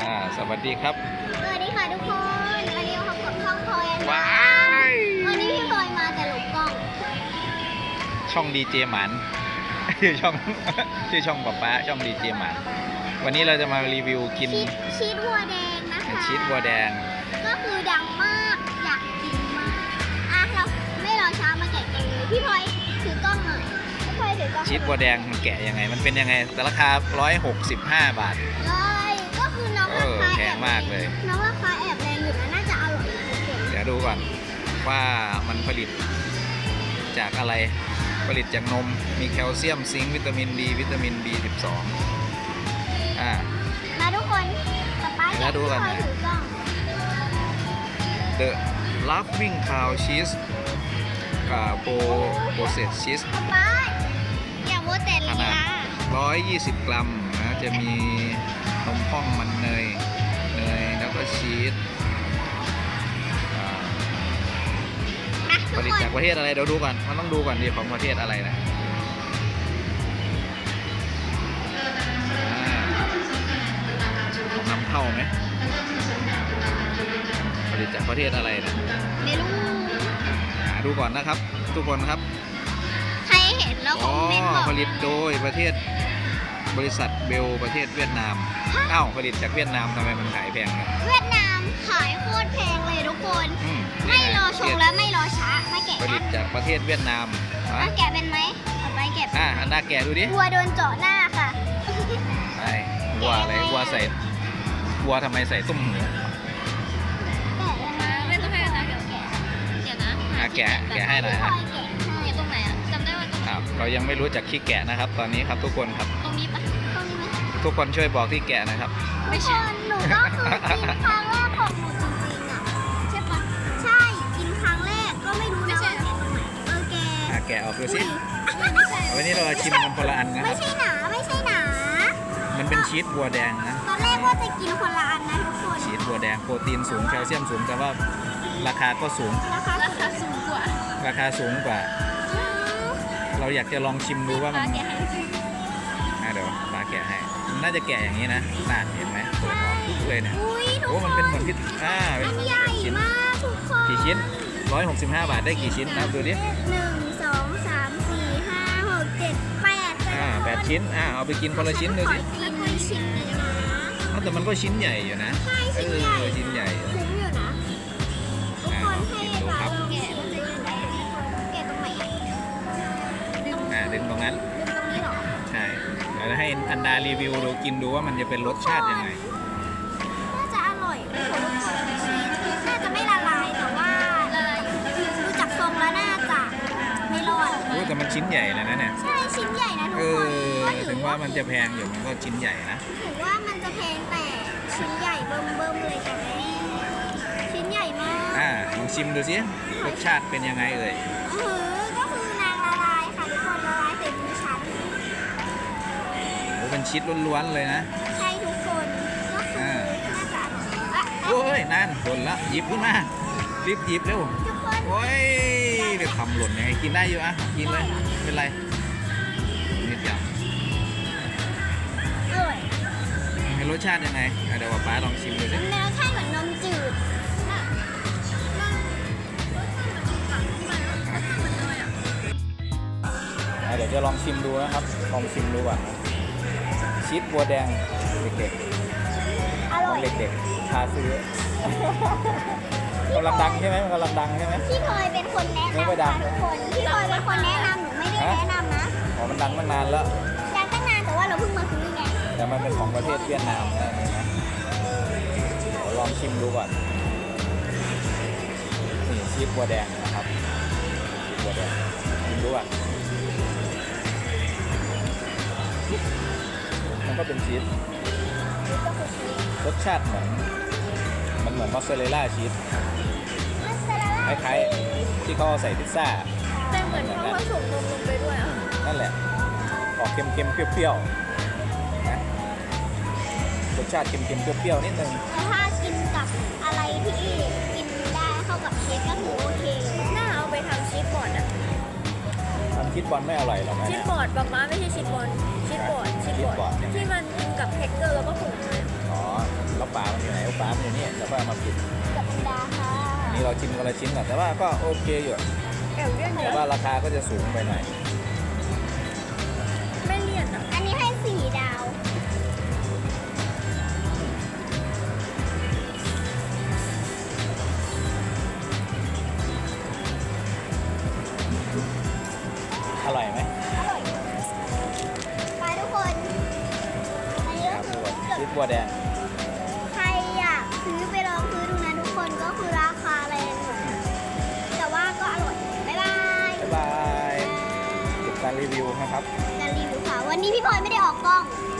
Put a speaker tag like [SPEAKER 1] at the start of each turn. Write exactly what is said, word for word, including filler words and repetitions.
[SPEAKER 1] อ่าสวัสดีครับ
[SPEAKER 2] สวัสดีค่ะทุกคนวันนี้เราพบกับช่องพลอยนะ
[SPEAKER 1] ว้าย
[SPEAKER 2] วันนี้พี่พลอยมาแต่หลบกล้อง
[SPEAKER 1] ช่องดีเจหมันชื่อช่องชื่อช่องป๊าป๊าช่องดีเจหมันวันนี้เราจะมารีวิวกิน
[SPEAKER 2] ชีสชีสวัวแดงนะคะ
[SPEAKER 1] ชีสวัวแดง
[SPEAKER 2] ก็คือดังมากอยากกินมากอ่ะเราไม่รอช้ามาแกะกันเลยพี่พลอยถือกล้องหน่อยพี่พลอยถือกล้อง
[SPEAKER 1] ชีสวัวแดงมันแกะยังไงมันเป็นยังไงแต่ราคาหนึ่งร้อยหกสิบห้าบาท
[SPEAKER 2] เลยก็คือน้องราคา
[SPEAKER 1] แพงมากเลย
[SPEAKER 2] น้องราคาแอบแรงอยู่นะน่าจะอร่อยนะทุกคน
[SPEAKER 1] เดี๋ยวดูก่อนว่ามันผลิตจากอะไรผลิตจากนมมีแคลเซียมซิงค์วิตามินดีวิตามิน บี สิบสอง อ่า
[SPEAKER 2] มาทุกคนป๊าป๊าอยาก
[SPEAKER 1] ดูกัน
[SPEAKER 2] ถือกล้อง
[SPEAKER 1] The Laughing Cow Cheese อ่าโปรโปรเซสชีส
[SPEAKER 2] ป๊าป๊าอย่าโมเตลี
[SPEAKER 1] ขนาดหนึ่งร้อยยี่สิบกรัมนะจะมีนมข้องมันเนยเนยแล้วก็ชีสผลิตจากประเทศอะไรเดี๋ยวดูก่อนมันต้องดูก่อนดีของประเทศอะไรนะนำเข้าไหมผลิตจากประเทศอะไรนะ
[SPEAKER 2] ไม่รู้
[SPEAKER 1] หาดูก่อนนะครับทุกคนครับ
[SPEAKER 2] ใครเห็นแล้วคอมเมนต์บอก
[SPEAKER 1] ผลิตโดยประเทศบริษัทเบลประเทศเวียดนามอ้าวผลิตจากเวียดนามทำไมมันขายแพงเนี่ย
[SPEAKER 2] เวียดนามขายโคตรแพงเลยทุกคนไม่รอชงและไม่รอช้ามาแกะ
[SPEAKER 1] ผลิตจากประเทศเวียดนาม
[SPEAKER 2] มาแกะเป็นไหมเอาไปแกะ
[SPEAKER 1] อ่ะอันน่าแกะดูดิ
[SPEAKER 2] วัวโดนเจาะหน้าค่ะ
[SPEAKER 1] ไอ้วัวอะไรวัวใส่วัวทำไมใส่ตุ้มหู
[SPEAKER 2] ไม่ต้องให้นะแกะเดี๋ยวนะ
[SPEAKER 1] แกะแกะให้หน่อยฮะ
[SPEAKER 2] อยู่ตรงไหนอ่ะจำได้ว่าตรงไหน
[SPEAKER 1] เรายังไม่รู้จักขี้แกะนะครับตอนนี้ครับทุกคนครับ
[SPEAKER 2] ตรงนี้ปะตรงนี้ไหม
[SPEAKER 1] ทุกคนช่วยบอกที่แกะนะครับ
[SPEAKER 2] ทุกคนหนูก็คือกินครั้งแรกของหนูจริงๆอ่ะใช่ปะใช่กินครั้งแรกก็ไม่รู้นะว่าแกะตรงไหนเออแกะ
[SPEAKER 1] แกะออกดูสิวันนี้เราชิมกันคนละอันนะค
[SPEAKER 2] รั
[SPEAKER 1] บ
[SPEAKER 2] ไม่ใช่หนาไม่ใช่หนา
[SPEAKER 1] มันเป็นชีสบัวแดงนะ
[SPEAKER 2] ตอนแรกว่าจะกินคนละอันนะทุกคน
[SPEAKER 1] ชีสบัวแดงโปรตีนสูงแคลเซียมสูงแต่ว่าราคาก็สูง
[SPEAKER 2] ราคาราคาสูงกว่า
[SPEAKER 1] ราคาสูงกว่าเราอยากจะลองชิมดูว่ามันเดี๋ยวปลาแกะให้น่าจะแกะอย่างนี้นะน่าเห็นไหมเปิดออกทุกเลยเนี่ยโอ้มันเป็นเหมือนพิซซ่าเป็น
[SPEAKER 2] ใหญ่มากทุกคน
[SPEAKER 1] กี่ชิ้นร้อยหกสิบห้าบาทได้กี่ชิ้นนับดูดิ
[SPEAKER 2] หนึ่งสองสามสี่ห้าหกเจ็ดแปด
[SPEAKER 1] อ่าแปดชิ้นอ่าเอาไปกินคนละชิ้นดูสิ
[SPEAKER 2] กินชิ้นเลยนะ
[SPEAKER 1] แต่มันก็ชิ้นใหญ่อยู่นะ
[SPEAKER 2] ใช่ชิ้นใหญ่
[SPEAKER 1] ชิ้นใหญ่
[SPEAKER 2] คุ้มอยู่นะทุกคนให้เราแกะมันจะยังไงแกะตรงไหน
[SPEAKER 1] อ่าดึงตรงนั้น
[SPEAKER 2] ดึงตรงนี้หรอ
[SPEAKER 1] ใช่เดี๋ยวให้อันดารีวิวดูกินดูว่ามันจะเป็นรสชาติยังไง
[SPEAKER 2] น่าจะอร่อยทุกคนชีสน่าจะไม่ละลายแต่ว่าดูจากทรงแล้วน่าจะไม่รอด
[SPEAKER 1] โอ้แต่มันชิ้นใหญ่เลยนะเนี่ย
[SPEAKER 2] ใช่ชิ้นใหญ่นะทุกคน
[SPEAKER 1] ถึงว่ามันจะแพงอยู่มันก็ชิ้นใหญ่นะ
[SPEAKER 2] ถึงว่ามันจะแพงแต่ชิ้นใหญ่เบิ่มๆเลยค่ะแม่ชิ้นใหญ่มาก
[SPEAKER 1] อ่าลองชิมดูสิรสชาติเป็นยังไงเอ่ย
[SPEAKER 2] เออก็คือนางละลายค่ะทุกคนละลายใส่มือฉัน
[SPEAKER 1] โอ้เป็นชีสล้วนๆเลยนะ
[SPEAKER 2] ใช่ทุกคนก็คือน่าจะ
[SPEAKER 1] โอ้ยนั่นหล่นละหยิบขึ้นมารีบหยิบเร็วโอ้ยเดี๋ยวทำหล่นยังไงกินได้อยู่อ่ะกินเลยไม่เป็นไรนิดเดียว
[SPEAKER 2] อร่อย
[SPEAKER 1] มีรสชาติยังไงเดี๋ยวป้าลองชิมดูสิ
[SPEAKER 2] มันรสชาติเหมือนนมจืด
[SPEAKER 1] เดี๋ยวจะลองชิมดูนะครับลองชิมดูก่อนนะชีสบัวแดงเด็กๆของเด็กๆชาซื้อกำลังดังใช่ไหมมันกำลังดังใช่ไหม
[SPEAKER 2] พี่พลอยเป็นคนแนะนำค่ะทุกคนพี่พลอยเป็นคนแนะนำหนูไม่ได้แนะนำนะ
[SPEAKER 1] อ๋อมันดังตั้งนานแล้ว
[SPEAKER 2] ดังตั้งนานแต่ว่าเราเพิ่งมาซื้อไง
[SPEAKER 1] แต่มันเป็นของประเทศเวียดนามนะนะเดี๋ยวลองชิมดูก่อนนี่ชีสบัวแดงนะครับชีสบัวแดงชิมดูอ่ะมันก็เป็นชีสรสชาติเหมือนมันเหมือนมอสซาเรลล่าชีสคล้ายๆที่เขาใส่พิซซ่า
[SPEAKER 2] แต่เหมือนเขาผสมนมลงไปด้วยอ่ะ
[SPEAKER 1] นั่นแหละออกเค็มๆเปรี้ยวๆนะรสชาติเค็มๆเปรี้ยวๆนิดนึง
[SPEAKER 2] ถ้ากินกับอะไรที่กินได้เข้ากับชีสก็ถือโอเคน่าเอาไปทำชีสบอร์ดอ่ะ
[SPEAKER 1] ทำชีสบอลไม่อร่อยหรอก
[SPEAKER 2] ชีสบอร์ดป๊าป๊าไม่ใช่ชีสบอลชีสบอร์ดชีสบอร์ดที่มันกินกับแฮกเกอร์แล้วก็ผง
[SPEAKER 1] อ๋อแล้วป๋ากับป๊ามันอยู่นี่แล้วก็เอามาปิด
[SPEAKER 2] กับอันดาค่ะ
[SPEAKER 1] อันนี้เราชิมคนละชิ้นก่อนแต่ว่าก็โอเคอยู่
[SPEAKER 3] แอบเลี่ยนเย
[SPEAKER 1] แต่
[SPEAKER 3] อะ
[SPEAKER 1] ว่าราคาก็จะสูงไปหน่อย
[SPEAKER 3] ไม่เลี่ยนอ่ะ
[SPEAKER 2] อันนี้ให้สี่ดาว
[SPEAKER 1] อร่อยไหม
[SPEAKER 2] อร่อยไปทุกคนอันนี้
[SPEAKER 1] ค
[SPEAKER 2] ก็
[SPEAKER 1] รับ
[SPEAKER 2] คือ
[SPEAKER 1] ชีสบัวแดง
[SPEAKER 2] ใครอยากซื้อไปลองซื้อดูนะทุกคนก็คือราคาแรงหน่อยนะแต่ว่าก็อร่อยบ๊ายบาย
[SPEAKER 1] บ๊ายบายจบการรีวิวนะครับ
[SPEAKER 2] การรีวิวค่ะวันนี้พี่พลอยไม่ได้ออกกล้อง